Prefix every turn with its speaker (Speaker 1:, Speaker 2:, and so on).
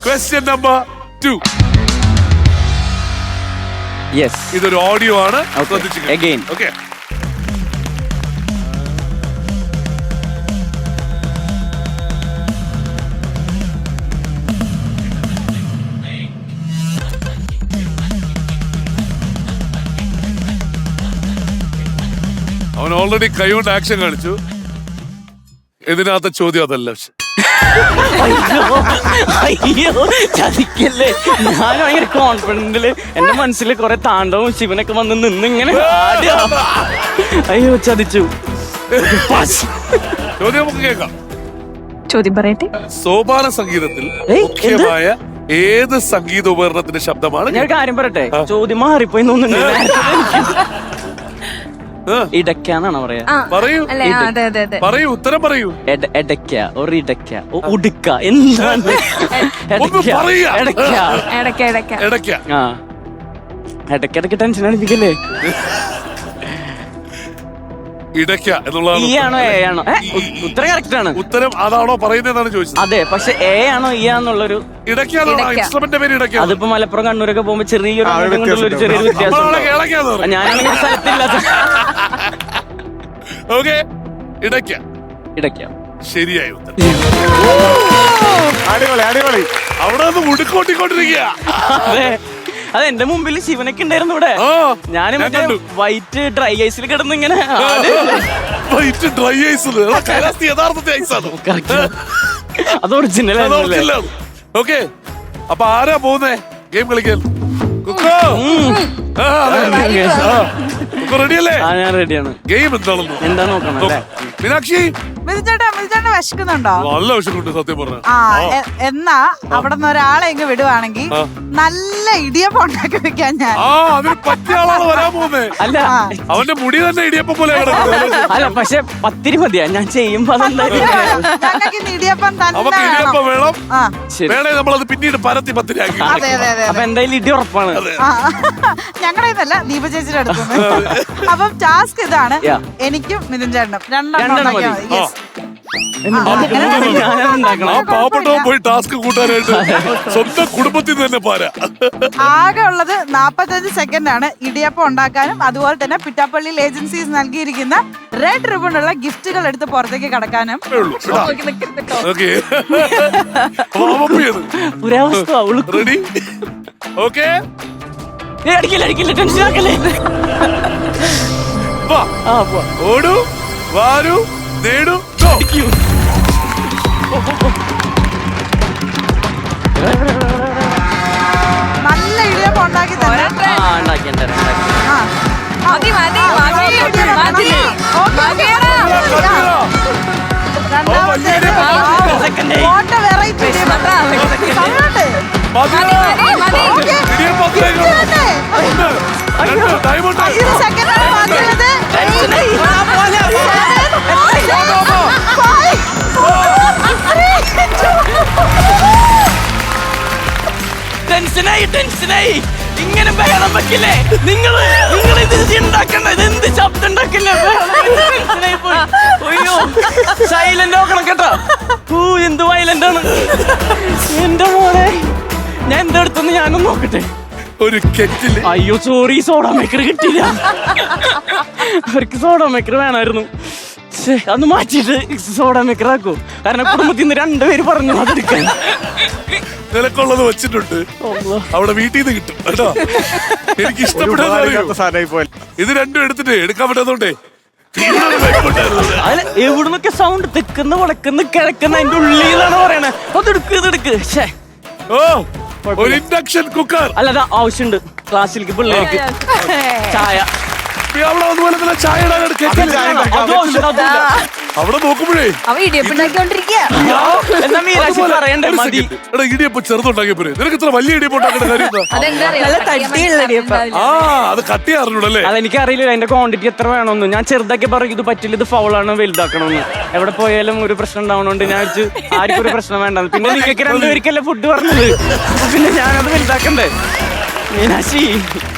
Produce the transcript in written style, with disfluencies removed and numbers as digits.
Speaker 1: Question number 2.
Speaker 2: Yes.
Speaker 1: ഇതൊരു audio ആണ്.
Speaker 2: Again.
Speaker 1: Okay. അവൻ ഓൾറെഡി കൈകൊണ്ട് ആക്ഷൻ കാണിച്ചു. ഇതിനകത്ത് ചോദ്യം അതല്ല.
Speaker 2: അയ്യോ ചതിക്കല്ലേ. ഞാൻ ഭയങ്കര കോൺഫിഡന്റില് എന്റെ മനസ്സിൽ കുറെ താണ്ടവും ശിവനൊക്കെ വന്ന് നിന്നിങ്ങനെ അയ്യോ ചതിച്ചു.
Speaker 1: ചോദ്യം നമുക്ക് കേൾക്കാം.
Speaker 3: ചോദ്യം പറയട്ടെ.
Speaker 1: സോപാന സംഗീതത്തിൽ മുഖ്യമായ ഏത് സംഗീത ഉപകരണത്തിന്റെ ശബ്ദമാണ്?
Speaker 2: ഞാൻ കാര്യം പറയട്ടെ, ചോദ്യം മാറിപ്പോയി ഇടയ്ക്കാന്നാണോ പറയാ?
Speaker 1: പറയൂ പറയൂ, ഉത്തരം പറയൂ.
Speaker 2: എടയ്ക്ക ഒരു ഇടയ്ക്ക ഉടുക്ക എന്താണ്?
Speaker 1: ഇടയ്ക്ക.
Speaker 2: ആ ഇടയ്ക്കിടയ്ക്ക് ടെൻഷൻ അടിപ്പിക്കല്ലേ.
Speaker 1: ഇടയ്ക്ക എന്നുള്ളതാണ്.
Speaker 2: ഇ ആണോ എ ആണോ? ഉത്തരം കറക്റ്റ് ആണ്.
Speaker 1: ഉത്തരം അതാണോ പറയുന്നതെന്നാണ് ചോദിച്ചത്.
Speaker 2: അതെ, പക്ഷെ എ ആണോ ഇ ആന്നുള്ളൊരു
Speaker 1: ഇൻസ്ട്രുമെന്റ് പേര് ഇടയ്ക്ക.
Speaker 2: അതിപ്പോ മലപ്പുറം കണ്ണൂരൊക്കെ പോകുമ്പോ ചെറിയൊരു ചെറിയൊരു വ്യത്യാസം. ഞാനാണെങ്കിൽ സ്ഥലത്തില്ലാത്ത.
Speaker 1: ഓക്കെ, ഇടയ്ക്ക.
Speaker 2: ഇടയ്ക്ക
Speaker 1: ശരിയായ ഉത്തരം.
Speaker 4: അടിപൊളി അടിപൊളി.
Speaker 1: അവിടെ നിന്ന് മുടുക്കോട്ടിക്കൊണ്ടിരിക്കുക.
Speaker 2: അത് എന്റെ മുമ്പിൽ ശിവനൊക്കെ ഉണ്ടായിരുന്നു ഇവിടെ. ഞാൻ മറ്റേ വൈറ്റ് ഡ്രൈ ഐസിൽ കിടന്ന് ഇങ്ങനെ.
Speaker 1: വൈറ്റ് ഡ്രൈ ഐസിൽ യഥാർത്ഥത്തെ ഐസാണ്.
Speaker 2: അത് ഒറിജിനൽ.
Speaker 1: ഓക്കെ, അപ്പൊ ആരാ പോകുന്നേ ഗെയിം കളിക്കാൻ? കുക്കോ റെഡിയല്ലേ?
Speaker 2: ഞാൻ റെഡിയാണ്.
Speaker 1: ഗെയിം എന്താണെന്ന്
Speaker 2: എന്താ നോക്കണം.
Speaker 1: മീനാക്ഷി
Speaker 3: മിഥുചേട്ടൻ വിശക്കുന്നുണ്ടോ?
Speaker 1: നല്ല വിഷമുണ്ട് സത്യം പറഞ്ഞ.
Speaker 3: എന്നാ അവിടെ നിന്ന് ഒരാളെ ഇങ്ങ് വിടുവാണെങ്കിൽ നല്ല ഇടിയപ്പം ഉണ്ടാക്കി വെക്കാൻ ഞാൻ.
Speaker 1: അതിന് പറ്റിയ ആളാണ് വരാൻ പോകുന്നത്.
Speaker 2: അല്ല,
Speaker 1: അവന്റെ മുടി തന്നെ ഇടിയപ്പം പോലെ.
Speaker 2: അല്ല, പക്ഷെ പത്തിരി മതിയാ ഞാൻ ചെയ്യുമ്പോ.
Speaker 3: ഇടിയപ്പം
Speaker 1: നമുക്ക് ഇടിയപ്പം വേണം. വേണേ നമ്മളത് പിന്നീട് പരത്തി പത്തിരിയാക്കി.
Speaker 2: അപ്പൊ എന്തായാലും ഇടി ഉറപ്പാണ്.
Speaker 3: ഞങ്ങളുടെ ഇതല്ല, ദീപ ചേച്ചിയുടെ അടുത്തുനിന്ന്. അപ്പം ടാസ്ക് ഇതാണ്. എനിക്കും മിഥുൻ ചേട്ടനും രണ്ടെണ്ണം.
Speaker 1: പാവപ്പെട്ടവൻ പോയി ടാസ്ക് കൂട്ടാനായിട്ട് സ്വന്തം കുടുംബത്തിൽ തന്നെ പോരാ.
Speaker 3: ആകെ ഉള്ളത് 45 സെക്കൻഡ് ആണ് ഇടിയപ്പം ഉണ്ടാക്കാനും. അതുപോലെ തന്നെ പിറ്റാപ്പള്ളി ഏജൻസീസ് നൽകിയിരിക്കുന്ന റെഡ് റിബൺ ഉള്ള ഗിഫ്റ്റുകൾ എടുത്ത് പുറത്തേക്ക് കടക്കാനും.
Speaker 1: റെഡി? ഓക്കെ, ഓടൂ വാരൂ നേടൂ.
Speaker 3: നല്ല ഇടിയപ്പം ഉണ്ടാക്കി തന്നെ.
Speaker 2: ടെൻഷനായി ഇങ്ങനെ ബഹളം വെക്കില്ലേ നിങ്ങൾ ഇത് ഉണ്ടാക്കണ്ടത്? എന്ത് ശബ്ദം ഉണ്ടാക്കില്ലേ? അയ്യോ സൈലന്റ് നോക്കണം കേട്ടോ. എന്ത് വയലന്റ് ആണ് എന്റെ മോനെ. ഞാൻ എന്തെടുത്തെന്ന് ഞാനൊന്ന് നോക്കട്ടെ.
Speaker 1: ഒരു കെറ്റില്.
Speaker 2: അയ്യോ സോറി, സോഡ മേക്കർ കിട്ടിയില്ല. അവർക്ക് സോഡ മേക്കർ വേണമായിരുന്നു. അന്ന് മാറ്റിയിട്ട് സോഡ മേക്കർ ആക്കൂ. കാരണം കുടുംബത്തിൽ നിന്ന് 2 പേര് പറഞ്ഞു അതെടുക്കാൻ.
Speaker 1: നിനക്കുള്ളത് വെച്ചിട്ടുണ്ട്, അവിടെ വീട്ടിൽ നിന്ന് കിട്ടും കേട്ടോ. എനിക്ക് ഇഷ്ടപ്പെട്ട ഇത് രണ്ടും എടുത്തിട്ട് എടുക്കാൻ പറ്റാത്തോണ്ടേ
Speaker 2: എവിടുന്നൊക്കെ സൗണ്ട് തെക്കുന്ന വടക്കുന്ന കിഴക്കുന്ന അതിന്റെ ഉള്ളിലാണ് പറയണേ. അതെടുക്ക് ഇതെടുക്ക്.
Speaker 1: ഒരു ഇൻഡക്ഷൻ കുക്കർ.
Speaker 2: അല്ല, ആവശ്യമുണ്ട് ക്ലാസ്സിലേക്ക് പിള്ളേർക്ക് ചായ.
Speaker 1: ചായ അവിടെ നോക്കുമ്പോഴേ ഇടിയപ്പം ചെറുതുണ്ടാക്കിയ പോരെ. നിനക്ക് ഇത്ര വലിയ ഇടിയപ്പം ഉണ്ടാക്കേണ്ട കാര്യം അത് കട്ടി അറിഞ്ഞൂടല്ലേ?
Speaker 2: അതെനിക്കറിയില്ല അതിന്റെ ക്വാണ്ടിറ്റി എത്ര വേണമെന്ന്. ഞാൻ ചെറുതാക്കി പറയും ഇത് പറ്റില്ല, ഇത് ഫൗളാണ്, വലുതാക്കണമെന്ന്. എവിടെ പോയാലും ഒരു പ്രശ്നം ഉണ്ടാവണോണ്ട് ഞാൻ ആർക്കും ഒരു പ്രശ്നം വേണ്ട. പിന്നെ നിങ്ങൾക്ക് 2 പേർക്കല്ലേ ഫുഡ് പറഞ്ഞത്, പിന്നെ ഞാനത് വലുതാക്കണ്ടേ. മീനാക്ഷി